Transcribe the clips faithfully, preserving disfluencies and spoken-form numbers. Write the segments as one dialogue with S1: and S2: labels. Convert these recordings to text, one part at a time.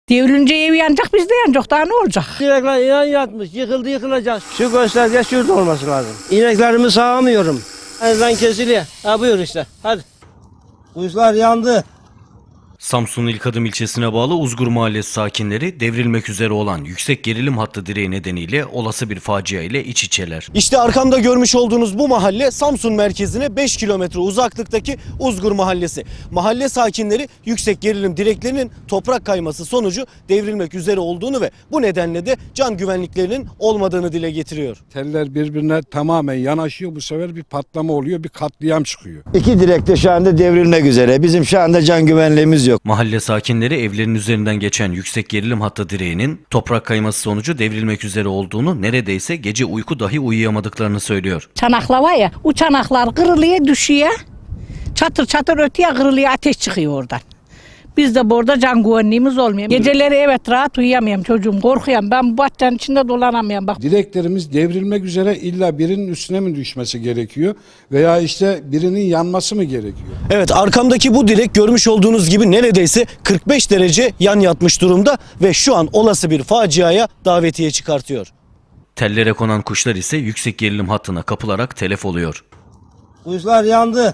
S1: Devrilince ev yanacak, biz de yanacak. Daha ne olacak?
S2: Direkler yan yatmış, yıkıldı yıkılacak. Şu gösterge şurada olması lazım. İneklerimi sağamıyorum. Elden kesiliyor. Ha buyur işte, hadi. Kuşlar yandı.
S3: Samsun'un İlkadım ilçesine bağlı Uzgur Mahallesi sakinleri devrilmek üzere olan yüksek gerilim hattı direği nedeniyle olası bir facia ile iç içeler.
S4: İşte arkamda görmüş olduğunuz bu mahalle Samsun merkezine beş kilometre uzaklıktaki Uzgur Mahallesi. Mahalle sakinleri yüksek gerilim direklerinin toprak kayması sonucu devrilmek üzere olduğunu ve bu nedenle de can güvenliklerinin olmadığını dile getiriyor.
S5: Teller birbirine tamamen yanaşıyor. Bu sefer bir patlama oluyor, bir katliam çıkıyor.
S6: İki direk de şu anda devrilmek üzere. Bizim şu anda can güvenliğimiz yok.
S3: Mahalle sakinleri evlerin üzerinden geçen yüksek gerilim hattı direğinin toprak kayması sonucu devrilmek üzere olduğunu, neredeyse gece uyku dahi uyuyamadıklarını söylüyor.
S1: Çanaklar var ya, o çanaklar kırılıyor, düşüyor. Çatır çatır ötüyor, kırılıyor, ateş çıkıyor oradan. Biz de burada can güvenliğimiz olmuyor. Geceleri evet rahat uyuyamıyorum çocuğum, korkuyorum. Ben bu bahçenin içinde dolanamıyorum bak.
S5: Direklerimiz devrilmek üzere, illa birinin üstüne mi düşmesi gerekiyor veya işte birinin yanması mı gerekiyor?
S4: Evet, arkamdaki bu direk görmüş olduğunuz gibi neredeyse kırk beş derece yan yatmış durumda ve şu an olası bir faciaya davetiye çıkartıyor.
S3: Tellere konan kuşlar ise yüksek gerilim hattına kapılarak telef oluyor.
S2: Kuşlar yandı.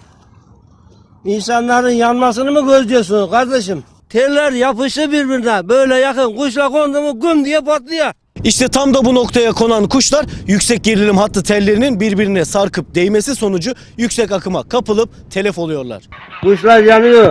S2: İnsanların yanmasını mı gözlüyorsunuz kardeşim? Teller yapıştı birbirine. Böyle yakın kuşla kondu mu güm diye patlıyor.
S4: İşte tam da bu noktaya konan kuşlar yüksek gerilim hattı tellerinin birbirine sarkıp değmesi sonucu yüksek akıma kapılıp telef oluyorlar.
S2: Kuşlar yanıyor.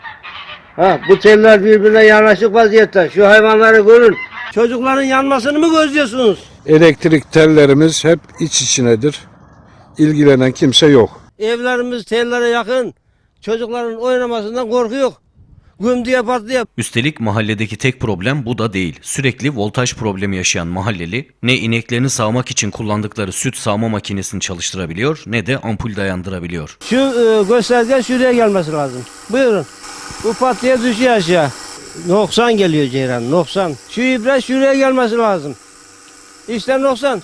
S2: Ha, bu teller birbirine yanaşık vaziyette. Şu hayvanları görün. Çocukların yanmasını mı gözlüyorsunuz?
S5: Elektrik tellerimiz hep iç içinedir. İlgilenen kimse yok.
S2: Evlerimiz tellere yakın. Çocukların oynamasından korkuyor. Güm diye patlıyor.
S3: Üstelik mahalledeki tek problem bu da değil. Sürekli voltaj problemi yaşayan mahalleli ne ineklerini sağmak için kullandıkları süt sağma makinesini çalıştırabiliyor ne de ampul dayandırabiliyor.
S2: Şu e, gösterge şuraya gelmesi lazım. Buyurun. Bu patlaya düşüyor aşağı. noksan geliyor Ceyran, noksan. Şu ibre şuraya gelmesi lazım. İşte noksan.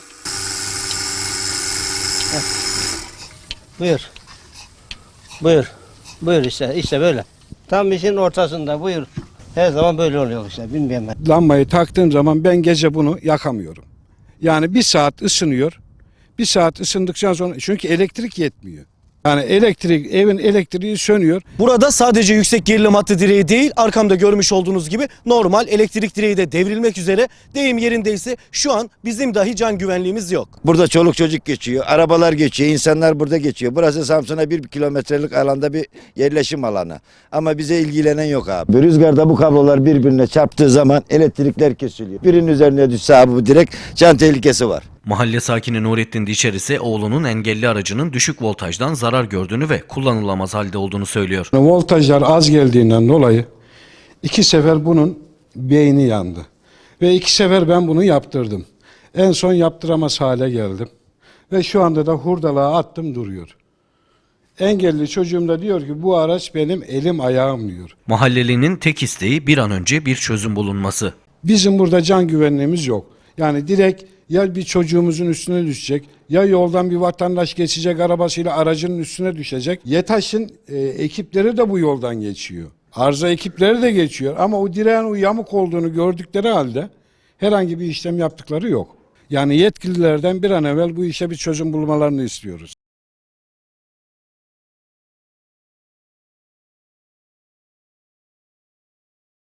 S2: Heh. Buyur. Buyur. Buyur işte, işte böyle. Tam işin ortasında, buyur. Her zaman böyle oluyor işte, bilmiyorum ben.
S5: Lambayı taktığım zaman ben gece bunu yakamıyorum. Yani bir saat ısınıyor. Bir saat ısındıktan sonra, çünkü elektrik yetmiyor. Yani elektrik, evin elektriği sönüyor.
S4: Burada sadece yüksek gerilim hattı direği değil, arkamda görmüş olduğunuz gibi normal elektrik direği de devrilmek üzere. Deyim yerindeyse şu an bizim dahi can güvenliğimiz yok.
S6: Burada çoluk çocuk geçiyor, arabalar geçiyor, insanlar burada geçiyor. Burası Samsun'a bir kilometrelik alanda bir yerleşim alanı. Ama bize ilgilenen yok abi. Rüzgarda bu kablolar birbirine çarptığı zaman elektrikler kesiliyor. Birinin üzerine düşse abi bu direkt can tehlikesi var.
S3: Mahalle sakini Nurettin Diçer ise oğlunun engelli aracının düşük voltajdan zarar gördüğünü ve kullanılamaz halde olduğunu söylüyor.
S5: Voltajlar az geldiğinden dolayı iki sefer bunun beyni yandı. Ve iki sefer ben bunu yaptırdım. En son yaptıramaz hale geldim. Ve şu anda da hurdalığa attım, duruyor. Engelli çocuğum da diyor ki bu araç benim elim ayağım diyor.
S3: Mahallelinin tek isteği bir an önce bir çözüm bulunması.
S5: Bizim burada can güvenliğimiz yok. Yani direkt ya bir çocuğumuzun üstüne düşecek, ya yoldan bir vatandaş geçecek arabasıyla aracının üstüne düşecek. YETAŞ'ın e, ekipleri de bu yoldan geçiyor. Arıza ekipleri de geçiyor ama o direğin o yamuk olduğunu gördükleri halde herhangi bir işlem yaptıkları yok. Yani yetkililerden bir an evvel bu işe bir çözüm bulmalarını istiyoruz.